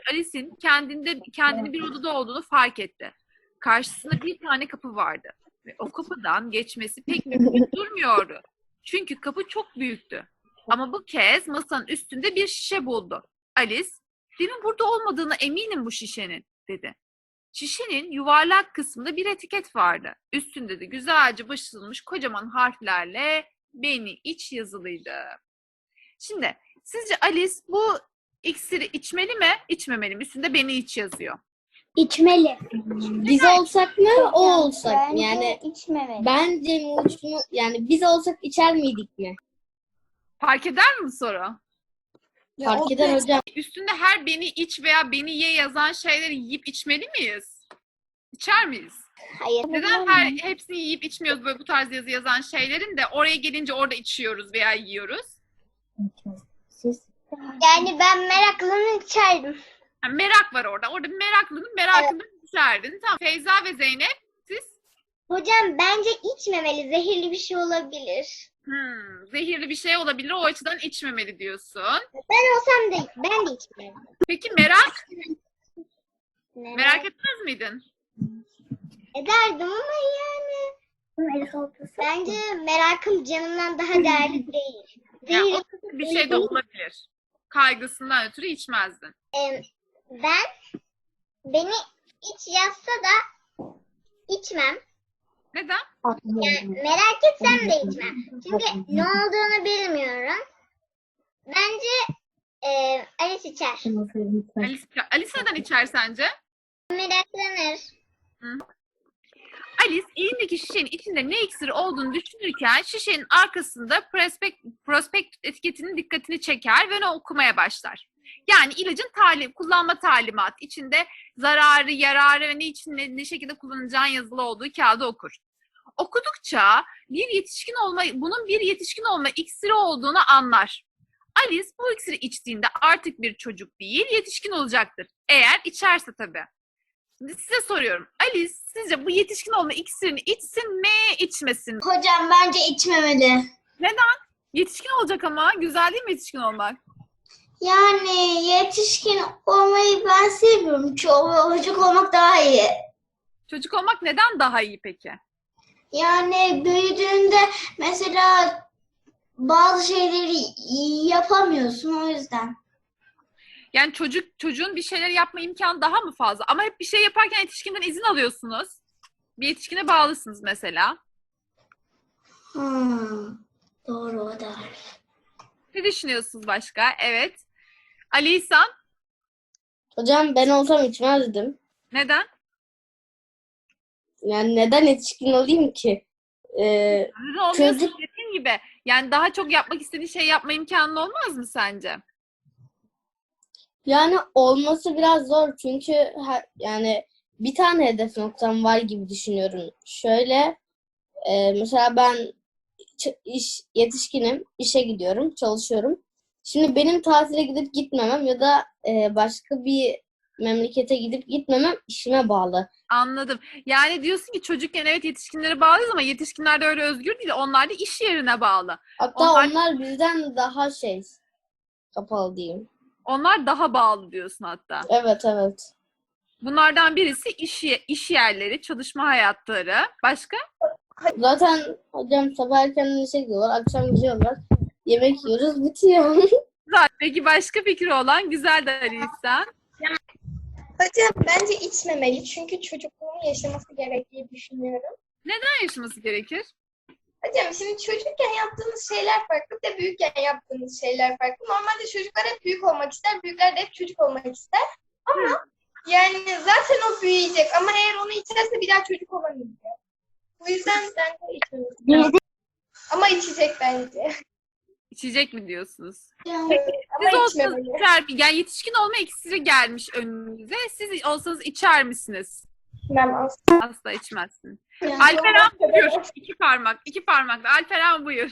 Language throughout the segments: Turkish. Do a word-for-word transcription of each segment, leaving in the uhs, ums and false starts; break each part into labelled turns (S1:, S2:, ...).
S1: Alice'in kendinde kendini bir odada olduğunu fark etti. Karşısında bir tane kapı vardı ve o kapıdan geçmesi pek mümkün durmuyordu. Çünkü kapı çok büyüktü. Ama bu kez masanın üstünde bir şişe buldu. Alice, "Demin burada olmadığına eminim bu şişenin," dedi. Şişenin yuvarlak kısmında bir etiket vardı. Üstünde de güzelce basılmış kocaman harflerle "Beni iç" yazılıydı. Şimdi sizce Alice bu iksiri içmeli mi, içmemeli mi? Üstünde "Beni iç" yazıyor.
S2: İçmeli.
S3: Biz olsak mı, o olsak mı?
S2: Bence
S3: Yani
S2: içmemeli.
S3: bence Muçmu, yani biz olsak içer miydik mi?
S1: Fark eder mi bu soru?
S3: Fark eder hocam.
S1: Üstünde her "Beni iç" veya "Beni ye" yazan şeyleri yiyip içmeli miyiz? İçer miyiz?
S2: Hayır.
S1: Neden her hepsini yiyip içmiyoruz böyle bu tarz yazı yazan şeylerin de oraya gelince orada içiyoruz veya yiyoruz?
S3: Siz?
S2: Yani ben meraklının içerdim.
S1: Yani merak var orada. Orada bir meraklının merakını içerdin. Tamam. Feyza ve Zeynep siz?
S2: Hocam bence içmemeli. Zehirli bir şey olabilir.
S1: Hmm, zehirli bir şey olabilir. O açıdan içmemeli diyorsun.
S2: Ben olsam da ben de içmem.
S1: Peki merak?
S2: Ne?
S1: Merak etmez miydin?
S2: Ederdim ama yani bence merakım canımdan daha değerli değil.
S1: Yani
S2: Zehirli
S1: o bir şey de olabilir. Kaygısından ötürü içmezdin.
S2: Em, ben beni iç yazsa da içmem.
S1: Neden?
S2: Yani merak etsem de içmem. Çünkü ne olduğunu bilmiyorum. Bence e, Alice içer.
S1: Alice, Alice neden içer sence?
S2: Meraklanır.
S1: Alice elindeki şişenin içinde ne iksiri olduğunu düşünürken şişenin arkasında prospekt, prospekt etiketinin dikkatini çeker ve onu okumaya başlar. Yani ilacın talim, kullanma talimatı içinde zararı, yararı ve ne için ne, ne şekilde kullanacağın yazılı olduğu kağıdı okur. Okudukça bir yetişkin olma, bunun bir yetişkin olma iksiri olduğunu anlar. Alice bu iksiri içtiğinde artık bir çocuk değil, yetişkin olacaktır. Eğer içerse tabii. Şimdi size soruyorum. Alice sizce bu yetişkin olma iksirini içsin mi, içmesin mi?
S2: Hocam bence içmemeli.
S1: Yetişkin olacak ama. Güzel değil mi yetişkin olmak?
S2: Yani yetişkin olmayı ben seviyorum. Çocuk olmak daha iyi.
S1: Çocuk olmak neden daha iyi peki?
S2: Yani büyüdüğünde mesela bazı şeyleri yapamıyorsun o yüzden.
S1: Yani çocuk çocuğun bir şeyler yapma imkanı daha mı fazla? Ama hep bir şey yaparken yetişkinden izin alıyorsunuz. Bir yetişkine bağlısınız mesela.
S2: Hmm, doğru o da.
S1: Ne düşünüyorsunuz başka? Evet. Ali İhsan,
S3: Hocam ben olsam içmezdim.
S1: neden?
S3: Yani neden yetişkin olayım ki? Ee,
S1: Neden olmuyorsun?
S3: Çocuk-
S1: Dediğim gibi. Yani daha çok yapmak istediğin şey yapma imkanın olmaz mı sence?
S3: yani olması biraz zor çünkü her, yani bir tane hedef noktam var gibi düşünüyorum. Şöyle e, mesela ben ç- iş yetişkinim, işe gidiyorum, çalışıyorum. Şimdi benim tatile gidip gitmemem ya da e, başka bir memlekete gidip gitmemem işime bağlı.
S1: Anladım. Yani diyorsun ki çocukken evet yetişkinlere bağlıyız ama yetişkinler de öyle özgür değil. Onlar da iş yerine bağlı.
S3: Hatta
S1: Onlar-
S3: onlar bizden daha şey kapalı diyeyim.
S1: Onlar daha bağlı diyorsun hatta.
S3: Evet evet.
S1: Bunlardan birisi iş, ye- iş yerleri, çalışma hayatları. Başka?
S3: Zaten hocam sabah erkenden işe gidiyorlar, akşam gidiyorlar. Yemek yiyoruz, bitiyor.
S1: Güzel. Peki başka fikri olan güzel de Ali İhsan.
S4: Hocam bence içmemeli çünkü çocukluğunu yaşaması gerektiği düşünüyorum.
S1: Neden yaşaması gerekir?
S4: Hocam şimdi çocukken yaptığımız şeyler farklı bir de büyükken yaptığımız şeyler farklı. Normalde çocuklar hep büyük olmak ister, büyükler de hep çocuk olmak ister. Ama yani zaten o büyüyecek ama eğer onu içerse bir daha çocuk olamayacak. Bu yüzden bence içmemeli. Ama içecek bence.
S1: İçecek mi diyorsunuz? Siz
S4: Ama
S1: olsanız
S4: içmemeli.
S1: içer, yani yetişkin olma iksiri gelmiş önünüze. Siz olsanız içer misiniz?
S4: İçmem aslında.
S1: Asla içmezsiniz.
S4: Yani
S1: Alperen
S4: o kadar-
S1: buyur. İki parmak. iki parmakla. Alperen buyur.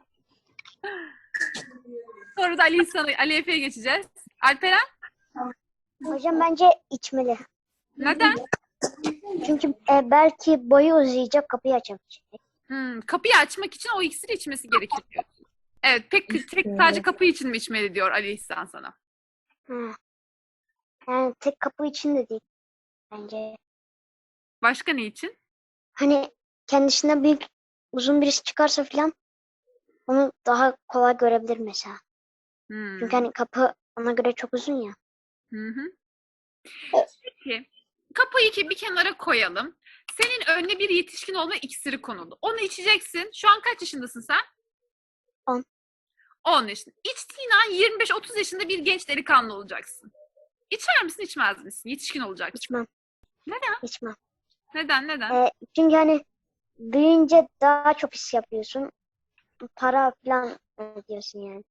S1: Sonra da Ali İhsan'a, Ali Efe'ye geçeceğiz. Alperen
S5: Hocam bence içmeli.
S1: neden?
S5: Çünkü e, belki boyu uzayacak, kapıyı açamayacak.
S1: Hmm, kapıyı açmak için o iksiri içmesi gerekir diyorsun. Evet, pek tek sadece kapı için mi içmeli diyor Ali İhsan sana.
S5: Ha. Yani tek kapı için de değil bence.
S1: Başka ne için?
S5: Hani kendisinden büyük uzun birisi çıkarsa falan onu daha kolay görebilir mesela.
S1: Hmm.
S5: Çünkü hani kapı ona göre çok uzun ya.
S1: Hı hı. Peki. Kapıyı ki bir kenara koyalım. Senin önüne bir yetişkin olma iksiri konuldu. Onu içeceksin. Şu an kaç yaşındasın sen?
S5: On.
S1: on yaşında. İçtiğin an yirmi beş otuz yaşında bir genç delikanlı olacaksın. İçer misin, içmez misin? Yetişkin olacaksın.
S5: İçmem.
S1: Neden?
S5: İçmem.
S1: Neden? Neden?
S5: Ee, çünkü hani büyüyünce daha çok iş yapıyorsun. Para falan ödüyorsun yani.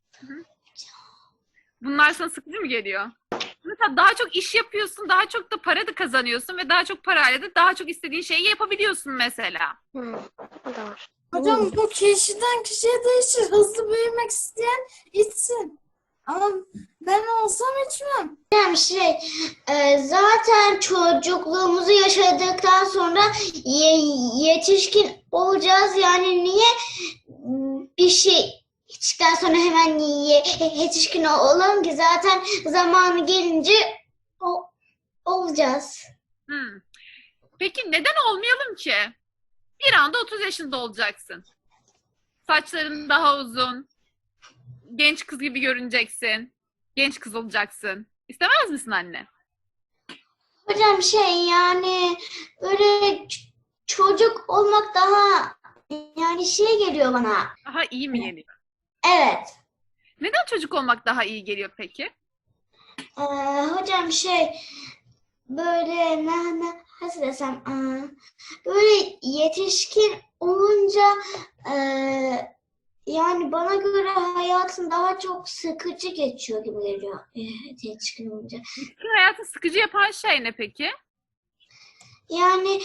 S1: Bunlar sana sıkıcı mı geliyor? Mesela daha çok iş yapıyorsun, daha çok da para da kazanıyorsun ve daha çok parayla da daha çok istediğin şeyi yapabiliyorsun mesela.
S5: Hı, o da var.
S6: Hocam bu kişiden kişiye değişir. Hızlı büyümek isteyen içsin. Ama ben olsam içmem.
S2: Yani şey, e, zaten çocukluğumuzu yaşadıktan sonra ye- yetişkin olacağız. Yani niye m, bir şey içtikten sonra hemen ye- yetişkin olalım ki zaten zamanı gelince o- olacağız.
S1: Hmm. Peki neden olmayalım ki? Bir anda otuz yaşında olacaksın. Saçların daha uzun. Genç kız gibi görüneceksin. Genç kız olacaksın. İstemez misin anne?
S2: Hocam şey yani böyle ç- çocuk olmak daha yani şey geliyor bana.
S1: Daha iyi mi geliyor?
S2: Evet.
S1: Neden çocuk olmak daha iyi geliyor peki?
S2: Ee, hocam şey böyle ne, ne nasıl desem aa, böyle yetişkin olunca e, yani bana göre hayatım daha çok sıkıcı geçiyor gibi geliyor e, yetişkin olunca.
S1: Bütün hayatı sıkıcı yapan şey ne peki?
S2: Yani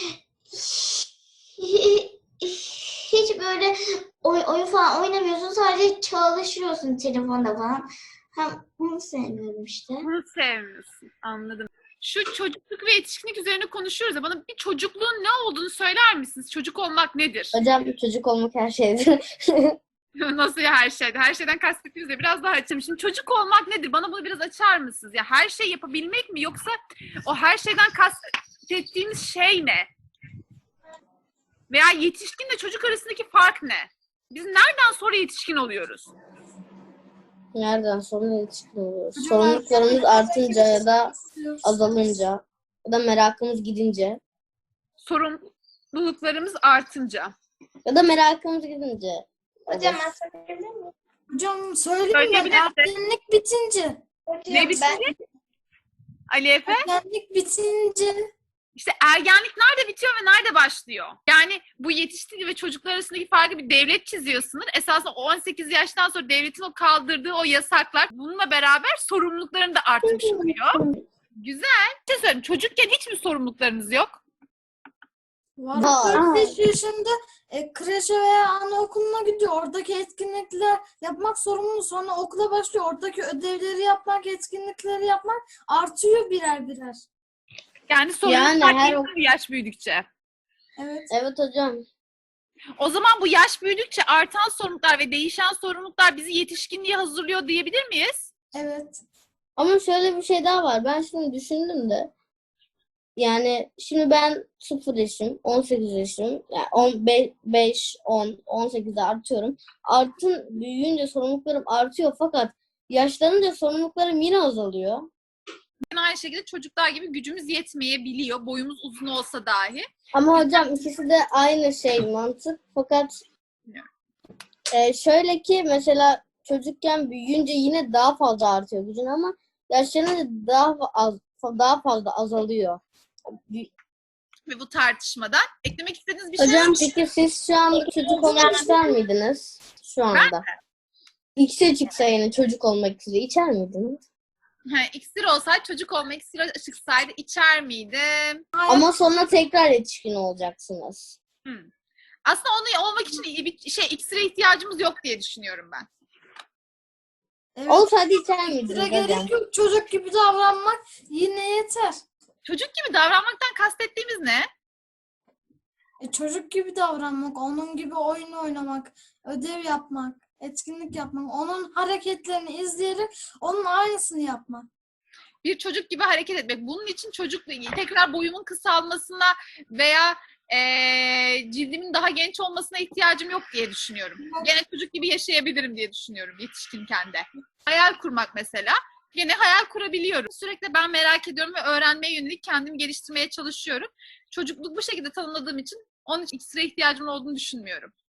S2: hi- hiç böyle oy- oyun falan oynamıyorsun, sadece çalışıyorsun telefonda falan. Hem bunu sevmiyorum işte.
S1: Bunu sevmiyorsun. Anladım. Şu çocukluk ve yetişkinlik üzerine konuşuyoruz ya, bana bir çocukluğun ne olduğunu söyler misiniz? Çocuk olmak nedir?
S3: Hocam çocuk olmak her şeydir.
S1: Nasıl ya her şeyde? Her şeyden kastettiğiniz de biraz daha açayım. Şimdi çocuk olmak nedir? Bana bunu biraz açar mısınız? Ya her şey yapabilmek mi, yoksa o her şeyden kastettiğiniz şey ne? Veya yetişkinle çocuk arasındaki fark ne? Biz nereden sonra yetişkin oluyoruz?
S3: Nereden sonra yetişkin oluyoruz? Sorumluluklarımız artınca ya da azalınca ya da merakımız gidince
S1: Sorumluluklarımız artınca.
S3: ya da merakımız gidince.
S4: Hocam
S3: Evet.
S4: ben söyleyebilir miyim?
S6: Hocam söyleyeyim ben.
S1: Söyleyebilirsin.
S6: Ergenlik bitince.
S4: Hocam
S1: Ne bitince?
S4: ben
S1: Ali Efe?
S6: Ergenlik bitince.
S1: İşte ergenlik nerede bitiyor ve nerede başlıyor? Yani bu yetişkin ve çocuklar arasındaki farkı bir devlet çiziyor sınır. Esasında on sekiz yaştan sonra devletin o kaldırdığı o yasaklar bununla beraber sorumlulukların da artmış oluyor. Güzel. Bir şey söyleyeyim. Çocukken hiç mi sorumluluklarınız yok?
S6: Var.
S3: Var.
S6: dört beş yaşında e, kreşe veya anaokuluna gidiyor. Oradaki etkinlikler yapmak sorumlu. Sonra okula başlıyor. Oradaki ödevleri yapmak, etkinlikleri yapmak artıyor birer birer.
S1: Yani sorumluluklar
S3: Yani her
S1: değişiyor yaş büyüdükçe.
S6: Evet.
S3: Evet hocam.
S1: O zaman bu yaş büyüdükçe artan sorumluluklar ve değişen sorumluluklar bizi yetişkinliğe hazırlıyor diyebilir miyiz?
S6: Evet.
S3: Ama şöyle bir şey daha var. Ben şimdi düşündüm de yani şimdi ben sıfır yaşım, on sekiz yaşım, yani on beş, on, on sekizde artıyorum. Artın büyüyünce sorumluluklarım artıyor fakat yaşlanınca sorumluluklarım yine azalıyor.
S1: Aynı şekilde çocuklar gibi gücümüz yetmeyebiliyor. Boyumuz uzun olsa dahi.
S3: Ama hocam ikisi de aynı şey mantık fakat e, şöyle ki mesela çocukken büyüyünce yine daha fazla artıyor gücün ama yaşlanınca daha az daha fazla azalıyor.
S1: Ve bu tartışmadan eklemek istediğiniz bir şey var
S3: Hocam
S1: mı?
S3: peki siz şu an çocuk olmak ister miydiniz? Şu anda. İkisi çıksa yine çocuk olmak istiyor. İçer miydiniz?
S1: Ha, iksir olsaydı, çocuk olma iksiri çıksaydı içer miydim?
S3: Ama sonra tekrar yetişkin olacaksınız.
S1: Hmm. Aslında onu olmak için bir şey iksire ihtiyacımız yok diye düşünüyorum ben.
S6: Evet.
S3: Olsaydı içer
S6: Sıra
S3: miydiniz hocam?
S6: gerek yok. Çocuk gibi davranmak yine yeter.
S1: Çocuk gibi davranmaktan kastettiğimiz ne?
S6: E, çocuk gibi davranmak, onun gibi oyun oynamak, ödev yapmak, etkinlik yapmak, onun hareketlerini izleyerek onun aynısını yapmak.
S1: bir çocuk gibi hareket etmek. Bunun için çocuk tekrar boyumun kısalmasına veya eee, cildimin daha genç olmasına ihtiyacım yok diye düşünüyorum. Gene çocuk gibi yaşayabilirim diye düşünüyorum yetişkinken de. Hayal kurmak mesela. Gene hayal kurabiliyorum. Sürekli ben merak ediyorum ve öğrenmeye yönelik kendimi geliştirmeye çalışıyorum. Çocukluk bu şekilde tanımladığım için onun için iksire ihtiyacım olduğunu düşünmüyorum.